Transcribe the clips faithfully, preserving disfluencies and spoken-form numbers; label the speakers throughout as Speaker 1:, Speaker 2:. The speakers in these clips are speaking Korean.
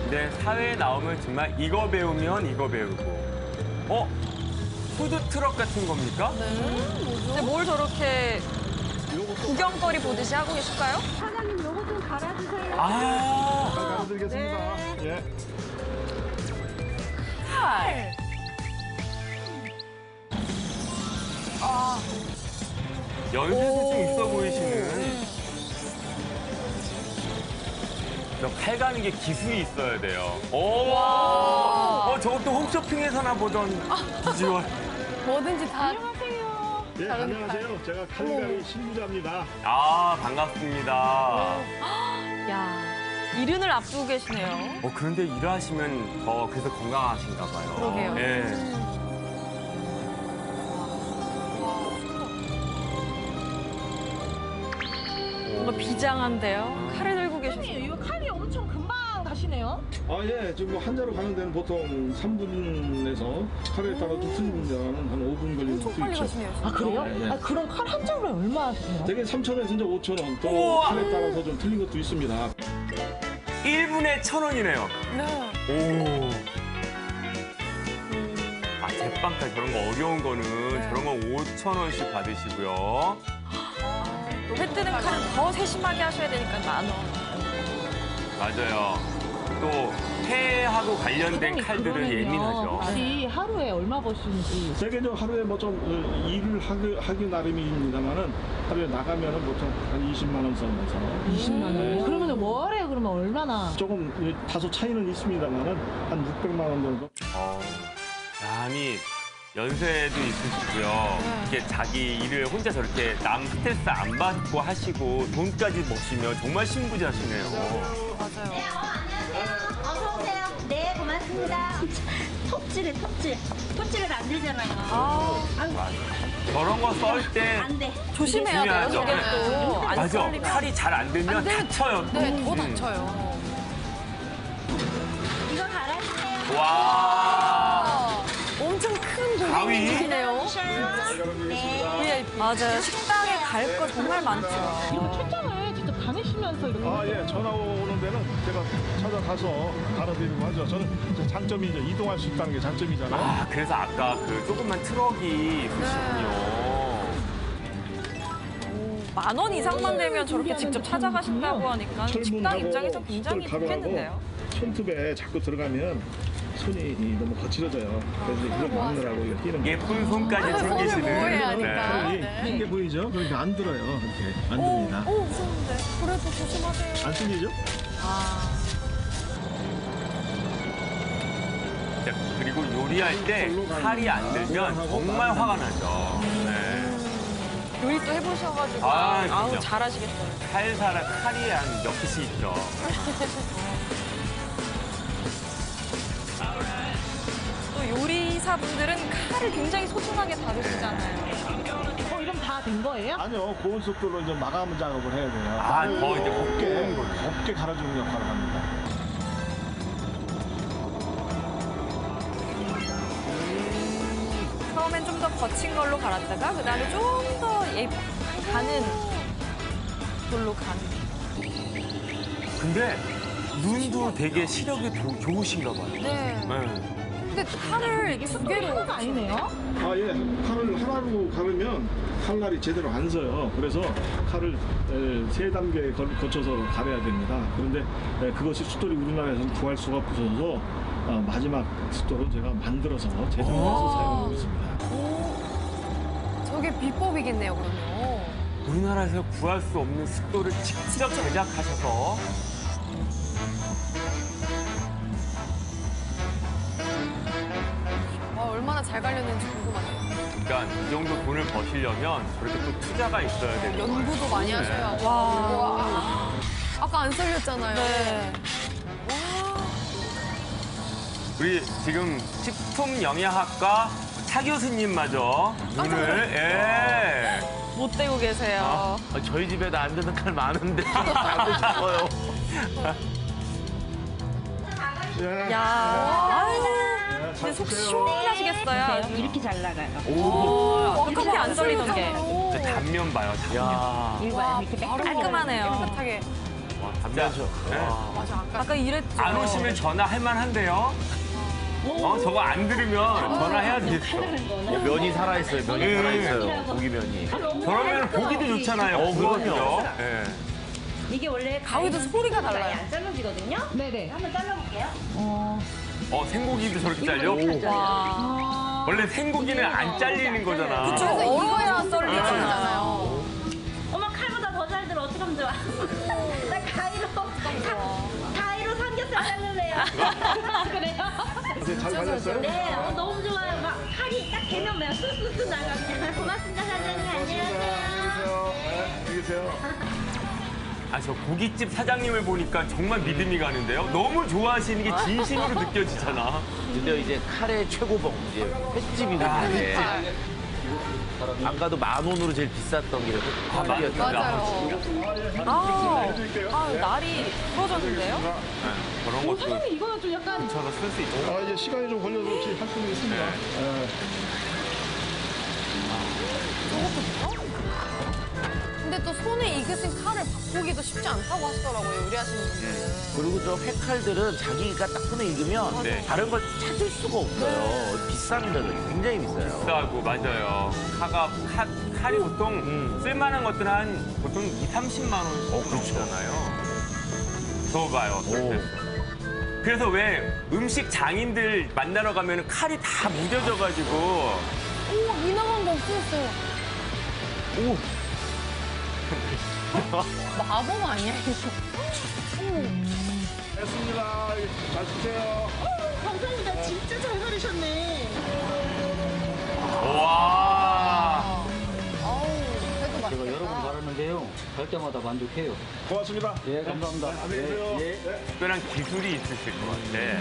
Speaker 1: 근데 사회에 나오면 정말 이거 배우면 이거 배우고. 어? 푸드트럭 같은 겁니까?
Speaker 2: 근데 뭘 저렇게 구경거리 보듯이 하고 계실까요?
Speaker 3: 사장님 요거 좀 갈아주세요.
Speaker 1: 아,
Speaker 4: 갈아드리겠습니다. 예.
Speaker 2: 칼.
Speaker 1: 연세도 좀 있어 보이시는. 저 칼 가는 게 기술이 있어야 돼요. 오! 어, 저것도 홈쇼핑에서나 보던 비주얼.
Speaker 2: 뭐든지 다.
Speaker 3: 안녕하세요.
Speaker 4: 예, 안녕하세요. 제가 칼가위 신부자입니다.
Speaker 1: 아, 반갑습니다.
Speaker 2: 야, 이른을 앞두고 계시네요.
Speaker 1: 어, 그런데 일하시면 더 그래서 건강하신가 봐요.
Speaker 2: 그러게요.
Speaker 1: 예.
Speaker 2: 뭔가 비장한데요. 칼을 들고 계셔서.
Speaker 3: 사장님 이거 칼이 엄청 금방 가시네요.
Speaker 4: 아, 예. 지금 뭐 한자로 가는 데는 보통 삼 분에서 칼에 따라 좀 틀리는 한 오 분 걸리는
Speaker 2: 엄청
Speaker 4: 수도
Speaker 2: 빨리
Speaker 4: 있죠.
Speaker 2: 가시네요.
Speaker 3: 아 그래요?
Speaker 4: 네, 네.
Speaker 3: 아 그럼 칼 한 장으로 얼마 하세요?
Speaker 4: 되게 삼천 원에서 이제 오천 원, 또
Speaker 1: 우와!
Speaker 4: 칼에 따라서 좀 틀린 것도 있습니다.
Speaker 1: 일 분에 천 원이네요.
Speaker 2: 네.
Speaker 1: 오. 아, 제빵칼 저런 거 어려운 거는 저런 거 오천 원씩 받으시고요.
Speaker 2: 또 회 뜨는 칼은 더 세심하게 하셔야 되니까 만 원.
Speaker 1: 맞아요. 또 회하고 관련된 칼들은
Speaker 3: 그러면요,
Speaker 1: 예민하죠.
Speaker 3: 혹시 하루에 얼마 버시는지.
Speaker 4: 되게 좀 하루에 뭐 좀 일을 하기, 하기 나름입니다만은 하루에 나가면은 보통 한 이십만 원 선에서
Speaker 3: 이십만 원.
Speaker 4: 네.
Speaker 3: 그러면 월에 그러면 얼마나?
Speaker 4: 조금 다소 차이는 있습니다만은 한 육백만 원 정도.
Speaker 1: 어, 아니 연세도 있으시고요. 이게 자기 일을 혼자 저렇게 남 스트레스 안 받고 하시고 돈까지 버시면 정말 신부자시네요.
Speaker 2: 맞아요.
Speaker 5: 어서 오세요. 네, 고맙습니다. 톱질해, 톱질. 톱질을 안 되잖아요.
Speaker 2: 아,
Speaker 1: 저런 거 썰 때
Speaker 5: 안 돼.
Speaker 2: 조심해야 돼요.
Speaker 1: 중요하죠.
Speaker 2: 저게 또. 안
Speaker 1: 맞아.
Speaker 2: 썰리면.
Speaker 1: 칼이 잘 안 들면
Speaker 2: 안 되면-
Speaker 1: 다쳐요. 또.
Speaker 2: 네, 더
Speaker 1: 음.
Speaker 2: 다쳐요.
Speaker 5: 이거 갈아주세요.
Speaker 1: 와.
Speaker 2: 아, 엄청 큰
Speaker 1: 가위?
Speaker 2: 고객님이시네요.
Speaker 5: 네.
Speaker 2: 맞아요. 식당에 갈 거 정말 많죠.
Speaker 3: 이거 초장을 직접 다니시면서 이렇게.
Speaker 4: 아, 예. 전화 오는 데는 제가 찾아가서 갈아드리고 하죠. 저는 이제 장점이 이제 이동할 수 있다는 게 장점이잖아요.
Speaker 1: 아, 그래서 아까 그 조그만 트럭이 있으시군요.
Speaker 2: 만 원 이상만 되면 저렇게 직접 찾아가신다고 하니까 식당
Speaker 4: 철문하고
Speaker 2: 입장에서 굉장히
Speaker 4: 숯불 가루하고
Speaker 2: 좋겠는데요.
Speaker 4: 손톱에 자꾸 들어가면 손이 너무 거칠어져요. 그래서 이걸 막느라고 이거 끼는 거예요.
Speaker 1: 예쁜 손까지
Speaker 2: 손을
Speaker 1: 챙기시는.
Speaker 2: 보호해야 하니까.
Speaker 4: 칼이
Speaker 2: 네.
Speaker 4: 흰게 보이죠? 그러니까 안 들어요. 이렇게 안
Speaker 2: 오,
Speaker 4: 듭니다.
Speaker 2: 오, 무서운데. 그래도 조심하세요.
Speaker 4: 안 뚫리죠?
Speaker 2: 아,
Speaker 1: 자, 그리고 요리할 때 칼이 안 들면 정말 화가 나죠. 네.
Speaker 2: 요리 또 해보셔가지고.
Speaker 1: 아,
Speaker 2: 아우,
Speaker 1: 그럼요.
Speaker 2: 잘하시겠어요.
Speaker 1: 칼사랑 칼이 한 몇 개씩 있죠.
Speaker 2: 또 요리사분들은 칼을 굉장히 소중하게 다루시잖아요.
Speaker 3: 어, 이럼 다 된 거예요?
Speaker 4: 아니요. 고온 속도로 이제 마감 작업을 해야 돼요.
Speaker 1: 아, 더 이제
Speaker 4: 곱게,
Speaker 1: 곱게 거죠.
Speaker 4: 곱게 갈아주는 역할을 합니다.
Speaker 2: 처음엔 좀 더 거친 걸로 갈았다가 그다음에 좀 더 예, 가는 걸로 가는.
Speaker 1: 근데 눈도 되게 시력이 조- 좋으신가 봐요.
Speaker 2: 네.
Speaker 1: 네.
Speaker 2: 근데 칼을 이게 두 개로.
Speaker 3: 하나가 아니네요.
Speaker 4: 아, 예. 칼을 하나로 가르면 칼날이 제대로 안 서요. 그래서 칼을 에, 세 단계 걸- 거쳐서 갈아야 됩니다. 그런데 에, 그것이 숫돌이 우리나라에서는 구할 수가 없어서 어, 마지막 숫돌은 제가 만들어서 제작해서 사용하고 있습니다.
Speaker 2: 저게 비법이겠네요, 그러면.
Speaker 1: 우리나라에서 구할 수 없는 습도를 직접 제작하셔서
Speaker 2: 와, 얼마나 잘 갈렸는지 궁금하네요.
Speaker 1: 그러니까 이 정도 돈을 버시려면 저렇게 또 투자가 있어야 되는 거예요.
Speaker 2: 연구도 많이 하셔야. 와. 아까 안 썰렸잖아요. 네.
Speaker 1: 우리 지금 식품영양학과 차 교수님마저 눈을 예.
Speaker 2: 못 대고 계세요.
Speaker 1: 아, 저희 집에도 안 되는 칼 많은데 하고 싶어요.
Speaker 4: 예.
Speaker 2: 야, 아유, 근데 속 시원하시겠어요. 아주.
Speaker 5: 이렇게 잘 나가요.
Speaker 2: 오, 어떻게 안 썰리던 게.
Speaker 1: 그 단면 봐요, 단면.
Speaker 5: 이거 봐요. 이렇게
Speaker 2: 바로
Speaker 5: 빽빽하게
Speaker 2: 깔끔하네요.
Speaker 5: 나가요.
Speaker 2: 깨끗하게.
Speaker 1: 와. 진짜. 네.
Speaker 2: 맞아. 아까 이랬죠.
Speaker 1: 안 오시면 전화할 만한데요. 어, 저거 안 들으면 전화해야 되겠어.
Speaker 6: 면이 살아있어요. 면이
Speaker 1: 네.
Speaker 6: 살아있어요. 고기 면이.
Speaker 1: 저러면 보기도 좋잖아요.
Speaker 6: 어, 그럼요.
Speaker 1: 네.
Speaker 5: 이게 원래
Speaker 2: 가위도 소리가 달라요.
Speaker 5: 안 잘라지거든요.
Speaker 3: 네네.
Speaker 5: 한번 잘라볼게요.
Speaker 3: 어.
Speaker 1: 어, 생고기도 저렇게 잘려?
Speaker 2: 와.
Speaker 1: 원래 생고기는 안 잘리는 거잖아.
Speaker 2: 그쵸, 얼어야 썰리잖아요.
Speaker 5: 어머 칼보다 더 잘 들어. 어떡하면 좋아. 나 가위로 가- 가위로 삼겹살 자를래요.
Speaker 3: 그래요?
Speaker 4: 이제 잘 발렸어요?
Speaker 5: 네, 어, 너무 좋아요. 막 칼이 딱 개면 그냥 쑥쑥쑥 나가요. 고맙습니다, 사장님. 안녕하세요.
Speaker 4: 네, 안녕히 계세요.
Speaker 1: 아, 저 고깃집 사장님을 보니까 정말 믿음이 가는데요. 너무 좋아하시는 게 진심으로 느껴지잖아.
Speaker 6: 근데 이제 칼의 최고봉, 이제 횟집이거든요. 아까도 만 원으로 제일 비쌌던 게
Speaker 1: 아,
Speaker 6: 칼이었죠.
Speaker 2: 맞아요. 아, 아, 날이 풀어졌는데요?
Speaker 1: 네, 저런
Speaker 3: 어,
Speaker 1: 것도
Speaker 3: 사장님 이거는 좀 약간
Speaker 1: 저도 쓸 수 있죠.
Speaker 4: 아, 이제 시간이 좀 걸려서 혹시 할 수는 있습니다. 네.
Speaker 2: 근데 또 손에 익으신 칼을 바꾸기도 쉽지 않다고 하시더라고요, 요리하시는 분들은.
Speaker 6: 그리고 저 회칼들은 자기가 딱 손에 익으면
Speaker 1: 네.
Speaker 6: 다른 걸 찾을 수가 없어요. 비쌉니다. 굉장히 비싸요.
Speaker 1: 비싸고, 맞아요. 칼가, 칼, 칼이 보통
Speaker 6: 음.
Speaker 1: 쓸만한 것들은 한 보통 이삼십만 원씩
Speaker 6: 어, 그렇죠.
Speaker 1: 나오잖아요. 저 봐요.
Speaker 6: 오.
Speaker 1: 그래서 왜 음식 장인들 만나러 가면 칼이 다 무뎌져가지고
Speaker 2: 오, 이나만 거 없어졌어요.
Speaker 6: 오.
Speaker 2: 마법 아니야, 이거?
Speaker 4: 됐습니다. 잘 쓰세요.
Speaker 5: 감사합니다. 진짜 잘 가르셨네.
Speaker 1: 와.
Speaker 2: 아우, 그래도 맛있겠다.
Speaker 7: 제가 여러 번 갈았는데요. 갈 때마다 만족해요.
Speaker 4: 고맙습니다.
Speaker 7: 예, 감사합니다.
Speaker 4: 안녕히 계세요.
Speaker 7: 예, 예.
Speaker 4: 네.
Speaker 1: 특별한 기술이 있으실 것 같아.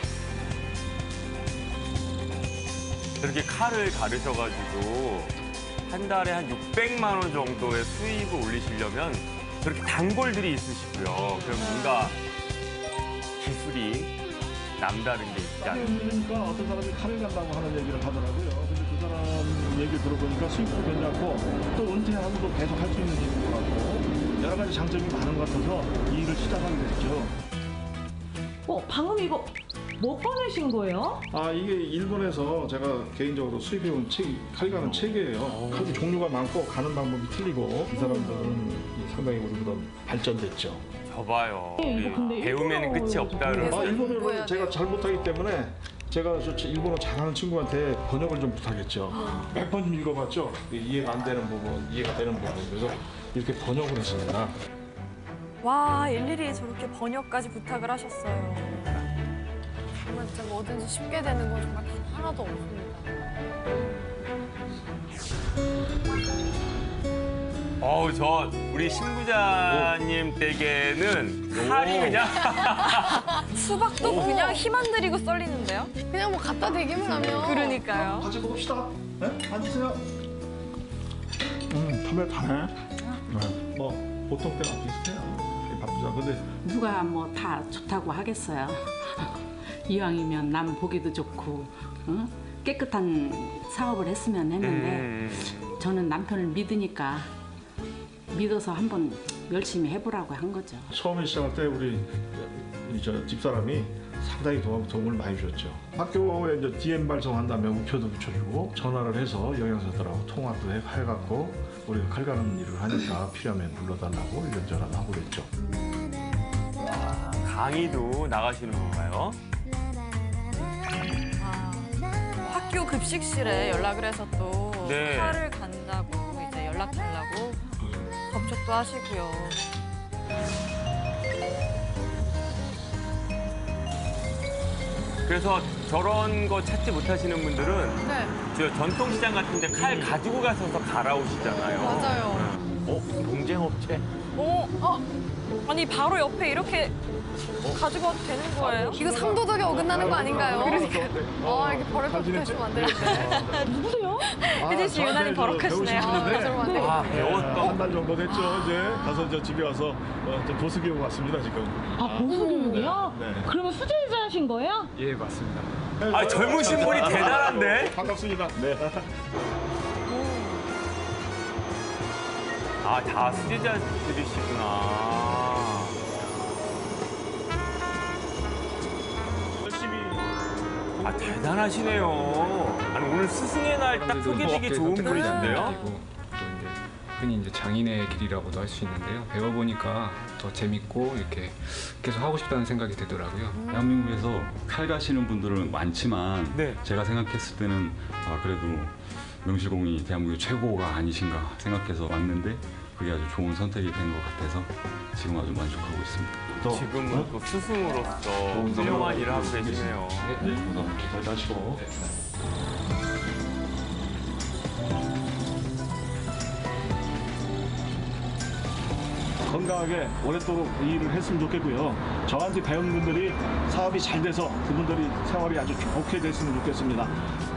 Speaker 1: 저렇게 칼을 가르셔가지고 한 달에 한 육백만 원 정도의 수입을 올리시려면 저렇게 단골들이 있으시고요. 그럼 뭔가 기술이 남다른 게 있지 않을까.
Speaker 4: 그러니까 어떤 사람이 칼을 간다고 하는 얘기를 하더라고요. 근데 그 사람 얘기 들어보니까 수입도 괜찮고 또 은퇴하고도 계속 할 수 있는 일인 것 같고 여러 가지 장점이 많은 것 같아서 이 일을 시작하게 됐죠.
Speaker 3: 어, 방금 이거 뭐 꺼내신 거예요?
Speaker 4: 아 이게 일본에서 제가 개인적으로 수입해온 책, 칼 가는 책이에요. 칼도 종류가 많고 가는 방법이 틀리고 이 사람들은 상당히 우리보다 발전됐죠.
Speaker 1: 저봐요.
Speaker 3: 네, 이거 근데
Speaker 1: 배우면 끝이
Speaker 3: 일본어로
Speaker 1: 없다
Speaker 3: 좀
Speaker 1: 그러면.
Speaker 4: 아 일본어를
Speaker 2: 공부해야
Speaker 4: 제가
Speaker 2: 돼요.
Speaker 4: 잘 못하기 때문에 제가 저 일본어 잘하는 친구한테 번역을 좀 부탁했죠. 몇 번 읽어봤죠. 이해가 안 되는 부분, 이해가 되는 부분. 그래서 이렇게 번역을 했습니다.
Speaker 2: 와, 일일이 저렇게 번역까지 부탁을 하셨어요. 정말 진짜 뭐든지 쉽게 되는 건 정말 단 하나도 없습니다.
Speaker 1: 어우, 저 우리 신부자님 댁에는 칼이 그냥
Speaker 2: 수박도 그냥 힘 안 들이고 썰리는데요?
Speaker 8: 그냥 뭐 갖다 대기만 하면.
Speaker 2: 그러니까요.
Speaker 4: 같이 먹읍시다. 네? 앉으세요. 음, 담배 타네. 네. 뭐 보통 때랑 비슷해요. 바쁘죠. 근데
Speaker 9: 누가 뭐 다 좋다고 하겠어요. 이왕이면 남 보기도 좋고 응? 깨끗한 사업을 했으면 했는데
Speaker 1: 음,
Speaker 9: 저는 남편을 믿으니까 믿어서 한번 열심히 해보라고 한 거죠.
Speaker 4: 처음에 시작할 때 우리 이 저 집사람이 상당히 도움, 도움을 많이 줬죠. 학교에 이제 디엠 발송한다면 우표도 붙여주고 전화를 해서 영양사들하고 통화도 해, 해갖고 우리가 칼 가는 일을 하니까 필요하면 불러달라고 이런저런 하고 그랬죠.
Speaker 1: 강의도 나가시는 건가요?
Speaker 2: 학교 급식실에 연락을 해서 또
Speaker 1: 네.
Speaker 2: 칼을 간다고 이제 연락 달라고 접촉도 하시고요.
Speaker 1: 그래서 저런 거 찾지 못하시는 분들은
Speaker 2: 네,
Speaker 1: 저 전통시장 같은 데 칼 가지고 가셔서 갈아오시잖아요.
Speaker 2: 맞아요.
Speaker 6: 어? 경쟁업체?
Speaker 2: 어, 어, 아니 바로 옆에 이렇게 가지고 와도 되는 거예요?
Speaker 8: 이거 상도덕에 어긋나는 거 아닌가요? 그러니까. 아, 이렇게 버릇
Speaker 4: 잘
Speaker 8: 것부터
Speaker 4: 지냈지?
Speaker 8: 하시면 안 되는데.
Speaker 3: 누구세요?
Speaker 2: 혜진 씨 유난히 버럭하시네요.
Speaker 8: 저러면 안 되겠네.
Speaker 1: 아, 배웠던
Speaker 4: 한 달 정도 됐죠. 이제 가서 이제 집에 와서 어, 좀 보수 교육 왔습니다 지금.
Speaker 3: 아, 보수교육이요?
Speaker 4: 네.
Speaker 3: 그러면 수제자신 거예요?
Speaker 4: 예 맞습니다.
Speaker 1: 아, 젊으신 분이 대단한데?
Speaker 4: 반갑습니다. 네.
Speaker 1: 아, 다 수제자들이시구나. 아, 대단하시네요. 아니, 오늘 스승의 날 딱 소개되기 좋은 분이신데요?
Speaker 10: 또 이제 흔히 이제 장인의 길이라고도 할 수 있는데요. 배워보니까 더 재밌고 이렇게 계속 하고 싶다는 생각이 들더라고요.
Speaker 11: 대한민국에서 칼 가시는 분들은 많지만
Speaker 1: 네.
Speaker 11: 제가 생각했을 때는 아, 그래도 명실공히 대한민국 최고가 아니신가 생각해서 왔는데 그게 아주 좋은 선택이 된 것 같아서 지금 아주 만족하고 있습니다.
Speaker 1: 지금은 또 스승으로서 훌륭한 일을 하고 계시네요.
Speaker 4: 네, 잘 다시고. 건강하게 오랫도록 이 일을 했으면 좋겠고요. 저한테 배운 분들이 사업이 잘 돼서 그분들이 생활이 아주 좋게 됐으면 좋겠습니다.